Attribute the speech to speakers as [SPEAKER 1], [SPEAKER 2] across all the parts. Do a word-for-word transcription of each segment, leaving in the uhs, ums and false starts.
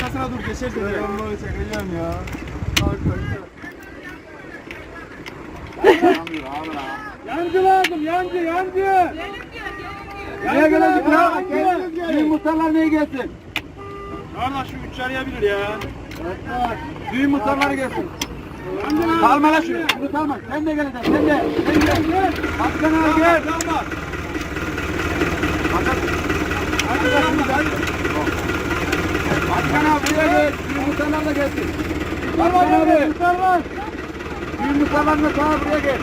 [SPEAKER 1] arkasına dur geçersin. Ben onları çekeceğim ya. Yancı lazım, yancı, yancı. Neye gelecek ya? Düğün muhtarlar neye gelsin? Kardeş şu üç arayabilir ya. Düğün muhtarları gelsin. Kalma lan şunu. Bunu kalma. Sen de geleceksin. Sen de. Sen de. Gel. Başkan abi gel. Kalma. Hadi bakalım. Başkan abi buraya gel. Düğün muhtarlar da gelsin. Başkan abi. Muhtarlar. Düğün muhtarlarına sağa buraya gel.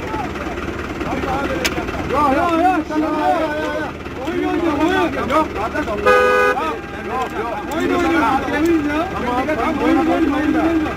[SPEAKER 1] Yok yok yok. Oyun oynuyor. Oyun. Yok kardeş. Yok yok. Oyun oynuyor. Oyun ya. Tamam oyun oynuyor.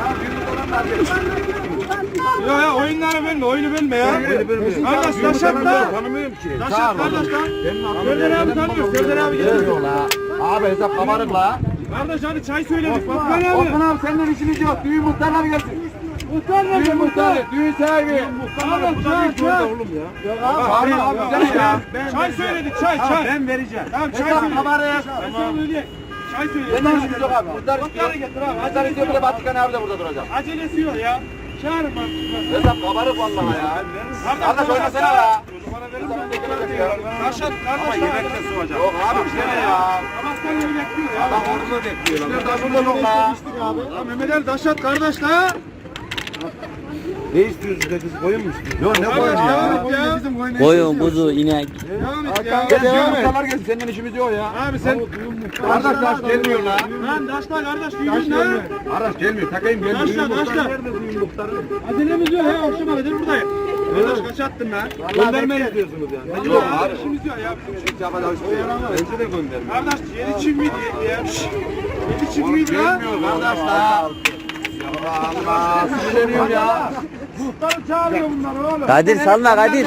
[SPEAKER 1] Ya ya oyunları verme, oyunu verme ya. Kardeş Taşat da. Tanımıyorum ki. Taşat kardeş lan. Serdar abi tanıyoruz. Serdar abi geliyor.
[SPEAKER 2] Abi hesap kabarık la.
[SPEAKER 1] Kardeş hadi çay söyledik. Osman abi. Osman abi senden işimiz yok. Düğün muhtarlar gelsin. Muhtar ne? Düğün muhtarı. Düğün sahibi. Muhtarlar çay çay. Oğlum ya. Yok abi. Abi güzel ya. Çay söyledik çay çay. Ben vereceğim. Tamam çay söyledik. Kabarık. Tamam. Çay söyledik.
[SPEAKER 2] Senden işimiz yok abi. Muhtar istiyor. Muhtar istiyor bir de Batıkan abi de burada duracak.
[SPEAKER 1] Acelesi yok ya. Çağırın bak.
[SPEAKER 2] Hesap kabarık vallahi ya. Kardeş oynasana la.
[SPEAKER 1] Taşat kardeş yemekte soğuyacak.
[SPEAKER 2] Yok abi bir şey ya.
[SPEAKER 1] Amaskan gibi bekliyor ya.
[SPEAKER 2] Adam orada bekliyor lan. Taşında yok la.
[SPEAKER 1] Ya Mehmet Ali Taşat kardeş la.
[SPEAKER 2] Ne istiyorsun da kız koyun mu istiyorsun? Yok ne koyun ya?
[SPEAKER 3] Koyun, kuzu, inek.
[SPEAKER 1] Devam et ya.
[SPEAKER 2] Gel devam et. Muhtarlar gelsin senin işimiz yok ya.
[SPEAKER 1] Abi sen
[SPEAKER 2] Kardeş taş gelmiyor la.
[SPEAKER 1] lan taşla kardeş düğün ne?
[SPEAKER 2] Kardeş gelmiyor takayım gelmiyor.
[SPEAKER 1] Taşla taşla. Acelemiz yok he akşama kadar buradayım. Kardeş kaç attın lan?
[SPEAKER 2] Gönderme istiyorsunuz yani.
[SPEAKER 1] Yok abi işimiz yok ya.
[SPEAKER 2] Bence de gönderme.
[SPEAKER 1] Kardeş yedi çift miydi ya? Yedi çift miydi lan?
[SPEAKER 2] Gelmiyor kardeş la. Allah Allah. Sinirleniyorum ya.
[SPEAKER 1] Muhtarı çağırıyor bunlar oğlum.
[SPEAKER 3] Kadir salma Kadir.
[SPEAKER 1] Kadir.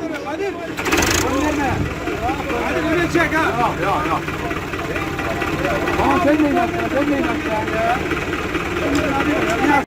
[SPEAKER 1] Hadi böyle çek ha.
[SPEAKER 2] Yok yok yok.
[SPEAKER 1] Ama sen de inat ya, sen de inat ya.